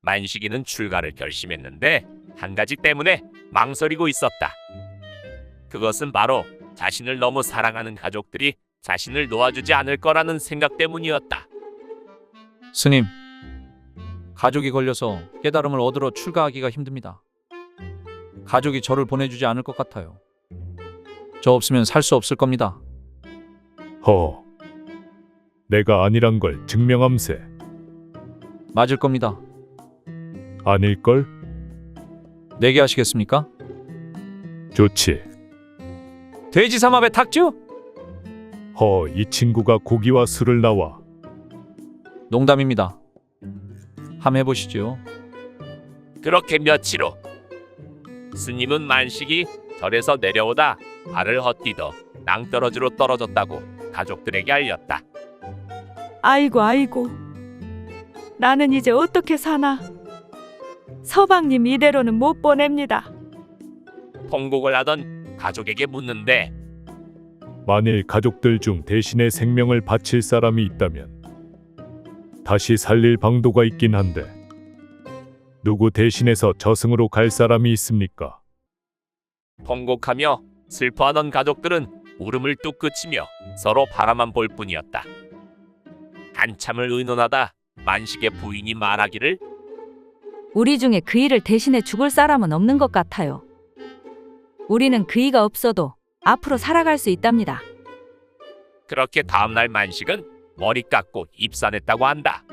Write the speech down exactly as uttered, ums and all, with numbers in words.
만식이는 출가를 결심했는데 한 가지 때문에 망설이고 있었다. 그것은 바로 자신을 너무 사랑하는 가족들이 자신을 놓아주지 않을 거라는 생각 때문이었다. 스님, 가족이 걸려서 깨달음을 얻으러 출가하기가 힘듭니다. 가족이 저를 보내주지 않을 것 같아요. 저 없으면 살 수 없을 겁니다. 허, 내가 아니란 걸 증명함세. 맞을 겁니다. 아닐걸? 내게 하시겠습니까? 좋지. 돼지 삼합의 탁주? 허, 이 친구가 고기와 술을 나와. 농담입니다. 함 해보시죠. 그렇게 며칠 후 스님은 만식이 절에서 내려오다 발을 헛디뎌 낭떠러지로 떨어졌다고 가족들에게 알렸다. 아이고 아이고, 나는 이제 어떻게 사나. 서방님 이대로는 못 보냅니다. 통곡을 하던 가족에게 묻는데 만일 가족들 중 대신에 생명을 바칠 사람이 있다면 다시 살릴 방도가 있긴 한데 누구 대신해서 저승으로 갈 사람이 있습니까? 통곡하며 슬퍼하던 가족들은 울음을 뚝 그치며 서로 바라만 볼 뿐이었다. 한참을 의논하다 만식의 부인이 말하기를 우리 중에 그이를 대신해 죽을 사람은 없는 것 같아요. 우리는 그이가 없어도 앞으로 살아갈 수 있답니다. 그렇게 다음날 만식은 머리 깎고 입산했다고 한다.